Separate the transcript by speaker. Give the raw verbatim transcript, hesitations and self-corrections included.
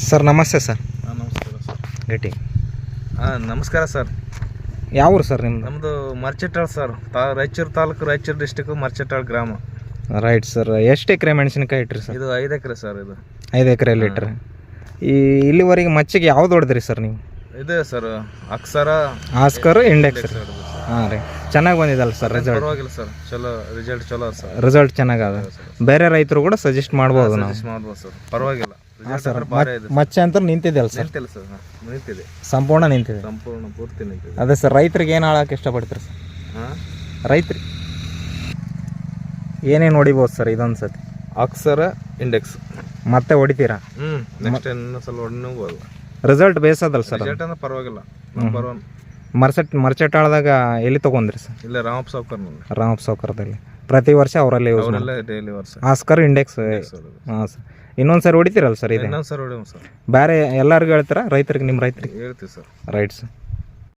Speaker 1: Sir ನಮಸ್ತೆ sir.
Speaker 2: ಹಾಂ ನಮಸ್ಕಾರ ಸರ್.
Speaker 1: ಗಟ್ಟಿ
Speaker 2: ಹಾಂ ನಮಸ್ಕಾರ ಸರ್.
Speaker 1: ಯಾವ ಊರು ಸರ್ ನಿಮ್ಮದು?
Speaker 2: ನಮ್ಮದು ಮರ್ಚೆಟ್ಟಾಳ್ ಸರ್, ತಾ ರಾಯಚೂರು ತಾಲೂಕು, ರಾಯಚೂರು ಡಿಸ್ಟಿಕ್ಕು, ಮರ್ಚೆಟ್ಟಾಳ್ ಗ್ರಾಮ.
Speaker 1: Right sir. ಎಷ್ಟು ಎಕರೆ ಮೆಣಸಿನಕಾಯಿ ಇಟ್ರಿ ಸರ್?
Speaker 2: ಇದು ಐದು ಎಕರೆ ಸರ್. ಇದು
Speaker 1: ಐದು ಎಕರೆಯಲ್ಲಿ ಇಟ್ರಿ. ಈ ಇಲ್ಲಿವರೆಗೆ ಮಚ್ಚಿಗೆ ಯಾವ್ದು ಹೊಡೆದ್ರಿ ಸರ್ ನೀವು?
Speaker 2: ಇದೆ ಸರ್, ಅಕ್ಷರ,
Speaker 1: ಆಸ್ಕರ್, ಇಂಡೆಕ್ಸ್. ಹಾಂ ರೀ, ಚೆನ್ನಾಗಿ ಬಂದಿದ್ದಲ್ಲ ಸರ್ ರಿಸಲ್ಟ್?
Speaker 2: ಪರವಾಗಿಲ್ಲ ಸರ್, ಚಲೋ ರಿಸಲ್ಟ್, ಚಲೋ ಸರ್.
Speaker 1: ರಿಸಲ್ಟ್ ಚೆನ್ನಾಗದ. ಬೇರೆ ರೈತರು ಕೂಡ ಸಜೆಸ್ಟ್ ಮಾಡ್ಬೋದು ನಾವು?
Speaker 2: ಸಜೆಸ್ಟ್ ಮಾಡ್ಬೋದು ಸರ್, ಪರವಾಗಿಲ್ಲ.
Speaker 1: ಹಾಂ ಸರ್. ಮಚ್ಚೆ ಅಂತ ನಿಂತಿದ್ದೆಲ್ಲ ಸರ್?
Speaker 2: ನಿಂತಿಲ್ಲ ಸರ್, ನಿಂತಿದೆ,
Speaker 1: ಸಂಪೂರ್ಣ ನಿಂತಿದೆ,
Speaker 2: ಸಂಪೂರ್ಣ ಪೂರ್ತಿ ನಿಂತಿದೆ.
Speaker 1: ಅದೇ ಸರ್, ರೈತರಿಗೆ ಏನು ಹೇಳಕ್ಕೆ ಇಷ್ಟಪಡ್ತೀರಿ ಸರ್?
Speaker 2: ಹಾಂ,
Speaker 1: ರೈತರಿಗೆ ಏನೇನು ಹೊಡಿಬೋದು ಸರ್ ಇದೊಂದು ಸತಿ?
Speaker 2: ಅಕ್ಷರ, ಇಂಡೆಕ್ಸ್
Speaker 1: ಮತ್ತೆ ಹೊಡಿತೀರಾ?
Speaker 2: ಹ್ಞೂ, ನೆಕ್ಸ್ಟ್ ಇನ್ನೊಂದು ಸಲ ಹೊಡ್ಬೋದು.
Speaker 1: ರಿಸಲ್ಟ್ ಬೇಸದಲ್ಲ ಸರ್?
Speaker 2: ರಿಸಲ್ಟ್ ಅಂದ್ರೆ ಪರವಾಗಿಲ್ಲ, ನಂಬರ್ ಒನ್.
Speaker 1: ಮರ್ಸೆಟ್ ಮರ್ಚೆಟ್ಟಾಳದಾಗ ಎಲ್ಲಿ ತೊಗೊಂಡ್ರಿ ಸರ್?
Speaker 2: ಇಲ್ಲ, ರಾಮಪ್ಪ ಸಾವ್ಕರ್ನಲ್ಲಿ.
Speaker 1: ರಾಮಪ್ಪ ಸಾವ್ಕರದಲ್ಲಿ ಪ್ರತಿ ವರ್ಷ ಅವರಲ್ಲೇ ಯೂಸ್ ಮಾಡಿ?
Speaker 2: ಅವರೆಲ್ಲ ಡೈಲಿ ವರ್ಷ.
Speaker 1: Oscar, index. ಹಾಂ ಸರ್. ಇನ್ನೊಂದು ಸರಿ ಹೊಡಿತೀರಲ್ಲ ಸರ್? ಇದೆ
Speaker 2: ಇನ್ನೊಂದು ಸರ್ ಹೊಡಿಯೋಣ ಸರ್.
Speaker 1: ಬೇರೆ ಎಲ್ಲರಿಗೂ ಹೇಳ್ತೀರಾ ರೈತರಿಗೆ? ನಿಮ್ಮ ರೈತರಿಗೆ
Speaker 2: ಹೇಳ್ತೀವಿ ಸರ್.
Speaker 1: Right sir.